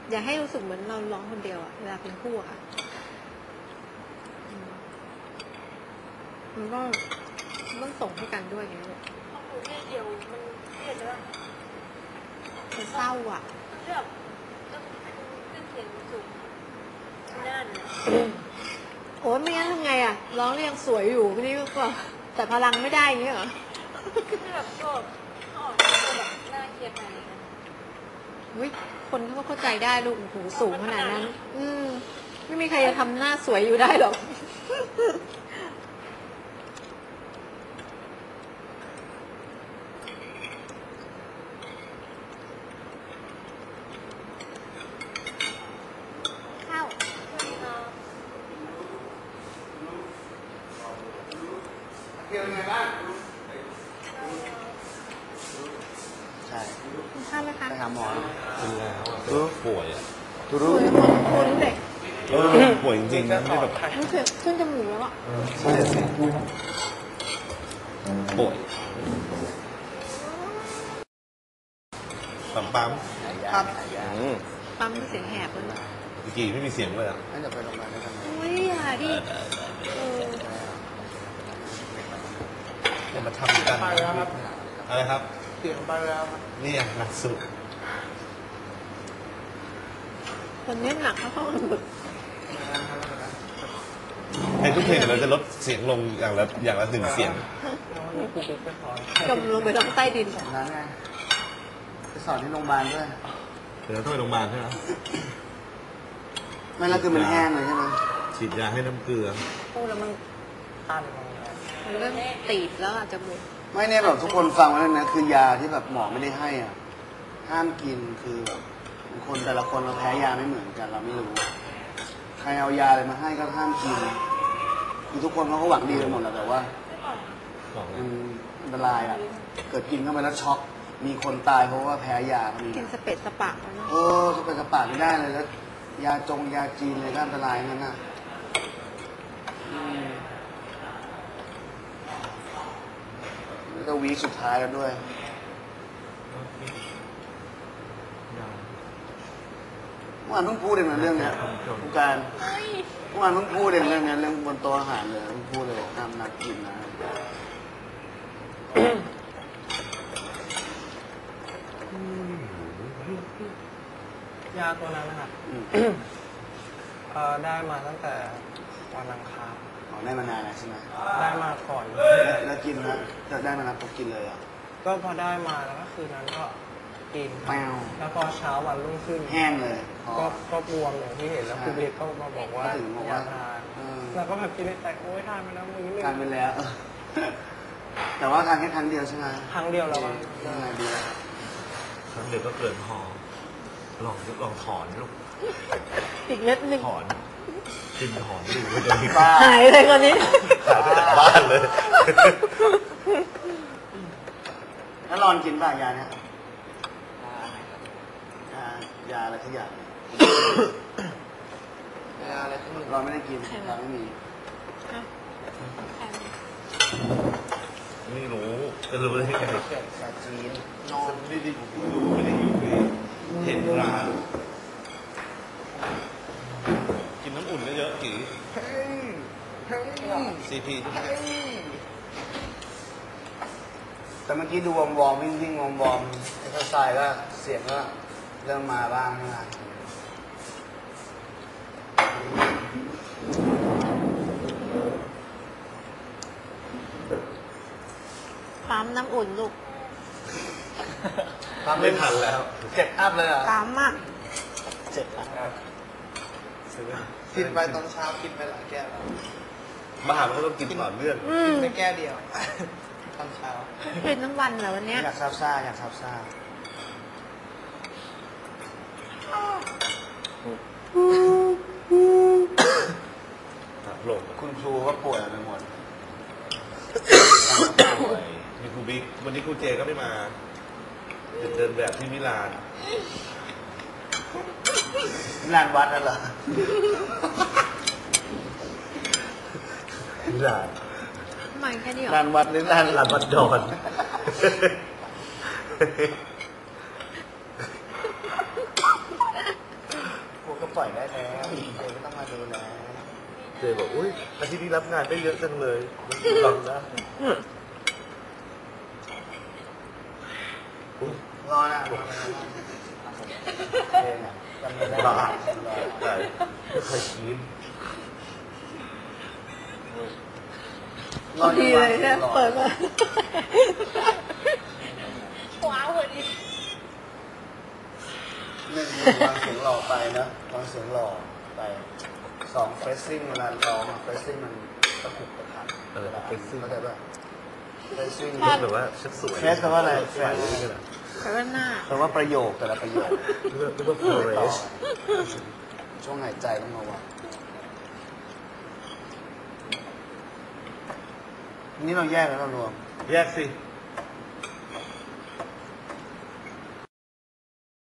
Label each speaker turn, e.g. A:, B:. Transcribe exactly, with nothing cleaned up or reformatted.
A: อย่าให้รู้สึกเหมือนเราร้องคนเดียวอะเวลาเป็นคู่อะมันก็ต้องส่งให้กันด้วยอย่างนี้เลย
B: ห้องหนูเนี่ยเดียวมันเครียดแล้ว
A: มันเศร้าอ่ะ
B: แบบต้องขึ้นเสียงสูงนั่น
A: โอ้ยไม่งั้นทำไงอ่ะร้องเรียงสวยอยู่พี่นี่ก็แต่พลังไม่ได้อย่างเงี้ยเหรอ
B: แบบก็ออกตัวแบบน่าเครียดอะไรกัน
A: วิคนเขาก็เข้าใจได้ลูกหูสูงขนาดนั้นอืมไม่มีใครจะทำหน้าสวยอยู่ได้หรอก
C: เที่ยวยังไงบ้างใช่
A: ข้าวไหมคะ
C: ไปหาหมอ
D: เป็นแล้วอ่ะป่วยอ่ะ
C: ทุรู้
A: คนเด็ก
D: ป่วยจริงๆนะไม่แบบ
A: รู้สึกขึ้นจมูกแล้วอ่ะ
D: ใช่สิป่วยปั๊มปั๊ม
C: ครับ
A: ปั๊มเสียงแหบเลย
D: เมื่อกี้ไม่มีเสียงเลยอ่ะ
C: ให้จะไปโรงพยาบาลได้ทำไม
A: อุ้ยอย่าดิ
D: จะมาทำกันอะไรครับ
C: เสียงไปแล้ว
D: นี่อย่างหนักสุด
A: คนนี้หนักเขาต้องฝึก
D: ในทุกเพลงเราจะลดเสียงลงอย่างละอย่างละหนึ่งเสียง
A: จมลงไปทางใต้ดิน
C: นั้นไงไปสอนที่โรงพยาบาลด้วย
D: เดี๋ยวต้องไปโรงพยาบาลใช่ไหม
C: ไม่แล้วคือมันแห้งเลยใช่ไหม
D: ฉีดยาให้น้ำเกลือ
A: พูดแล้วมันตันมันเริ่มตีบแล้วอาจจะหมด
C: ไม่เนี่ยแบบทุกคนฟังไว้เลยนะคือยาที่แบบหมอไม่ได้ให้อ่ะห้ามกินคือแบบคนแต่ละคนเราแพ้ยาไม่เหมือนกันเราไม่รู้ใครเอายาอะไรมาให้ก็ห้ามกินคือทุกคนเขาก็หวังดีกันหมดแหละแต่ว่ามันอันตรายอ่ะเกิดกินเข้าไปแล้วช็อกมีคนตายเพราะว่าแพ้ยาเขามี
A: กินสเปซสปะ
C: โอ้สเปซสปะไม่ได้เลยแล้วยาจงยาจีนเลยก็อันตรายนั่นน่ะแล้วก็วีสุดท้ายแล้วด้วยเมื่อวานเพิ่งพูดเองนะเรื่องเนี้ยผู้การเมื่อวานเพิ่งพูดเองเรื่องนี้เรื่องบนโต๊ะอาหารเลยเพิ่งพูดเลยห้ามนัดกินนะ
E: ยาตัวนั้นนะครับได้มาตั้งแต่วันอังคาร
C: อ๋อได้มานานแล้วใช่ไหม
E: ได้มาก่อน
C: แล้วกินนะจะได้มานับก็กินเลยอ่ะ
E: ก็พอได้มาแล้วก็คืนนั้นก็กินแล้วพอเช้าวันรุ่งขึ้น
C: แห้งเลย
E: ก็ก็บวมอย่างที่เห็นแล้วคุณเล็กก็มาบอกว่าอยากทานแล้วก็แบบกินในแต่โอ้ยทานไปแล้วมื้อนึง
C: ทานไปแล้วแต่ว่าทานแค่ครั้งเดียวใช่ไหม
E: ครั้งเดียวแล้ว
C: ยังไงดี
D: ครั้งเดียวก็เกินพอลองลองถอนลูก
A: อีกเม็ดหนึ่ง
D: ถอนกินถอนดู
A: หายเลยคนนี้
D: หายไปจากบ้านเลย
C: แล้วรอนกินป่ะยาเนี่ยยายาอะไรทุกอย่างยาอะไรทุกอย่างเราไม่ได้กินเราไม่มี
D: ไม่รู้จะรู้ได้ไง
C: ยาจีน
D: นอนไม่ได้อยู่ไม่ได้อยู่เห็นร้านกินน้ำอุ่นเยอะๆกี่ซีพี
C: แต่เมื่อกี้ดูวอมวอมวิ่งวิ่งวอมวอมเอ็กซ์ไซส์ก็เสียงก็เริ่มมาบ้างนะ
A: ปั๊มน้ำอุ่นลูก
D: ปั๊มไม่ทันแล้ว
C: เจ็ดอัพเลยอ่ะ
A: ปั๊มอ่ะ
C: เจ็ดอัพกินไปตอนเช้ากินไปหลายแก้วแล้ว
D: บ้าเขาต้องกินต่อเนื่อง
C: กินไปแก้วเดียวตอนเช้า
A: กินทั้งวันเหรอวันนี้
C: อยากซาบซ่าอยากซาบซ่าคุณครูก็ป่วยไปหมด
D: ป่วยมีครูบิ๊กวันนี้ครูเจก็ไม่มาเดินแบบที่มิลาน
C: มิลานวัดนั่นเหรอ
D: มิลาน
A: มาแค่นี้หรอ
C: ลานวัดหรือลานลานวัดดอนปล่อยได้แล้วเจไม่ต้องมาดูแล
D: เจบอกอุ้ยอาทิตย์นี้รับงานได้เยอะจังเลยมันลองนะอุ๊ย
C: รอนะเองอ่ะจำไม่ได้
D: บ้าได้ไม่เคยกิน
A: พอดีเลยเนี่ยเปิดมา
B: ว้าวเลยดิ
C: หนึ่งวางเสียงหล่อไปนะวางเสียงหล่อไปสองเฟซซิ่งเวลาร้องอะเฟซซิ่งมันตะกุกตะกัก
D: เออเฟซซิ่ง
C: เข้าใจป่ะเฟซซิ่ง
D: แบบว่าฉันสวย
C: เฟซแปลว่าอะไร
D: เฟซอะไรกันอะ
A: แปลว่าหน้า
C: แปลว่าประโยคแต่ละประโยค
D: นึกว่านึกว่าโฟเร
C: ต่อ
D: ช
C: ช่วงหายใจต้องระวังนี่เราแยกแล้วเรารวม
D: แยกสิ
C: เ